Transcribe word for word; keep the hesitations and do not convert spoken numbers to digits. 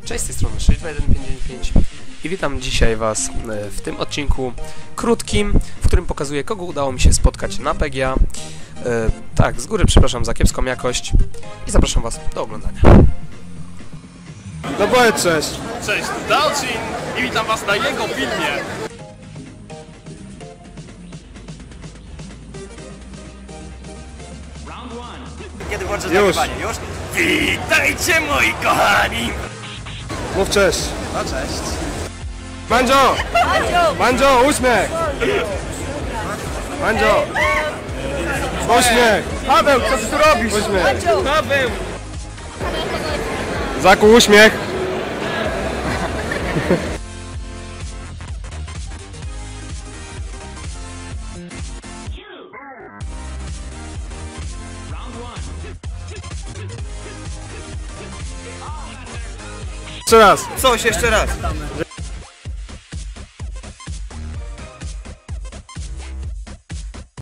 Cześć, z tej strony sześć dwa jeden pięć dziewięć pięć i witam dzisiaj Was w tym odcinku krótkim, w którym pokazuję, kogo udało mi się spotkać na P G A. E, tak, z góry przepraszam za kiepską jakość i zapraszam Was do oglądania. No powiedz cześć! Cześć, tu Dalcin i witam Was na jego filmie! Kiedy włączę Już. nagrywanie? Już? Witajcie moi kochani! Mów cześć! No cześć. Mandzio! Mandzio, uśmiech! Mandzio! Uśmiech! Paweł, co ty tu robisz? Uśmiech! Paweł! Zaku, uśmiech! Jeszcze raz! Coś jeszcze raz.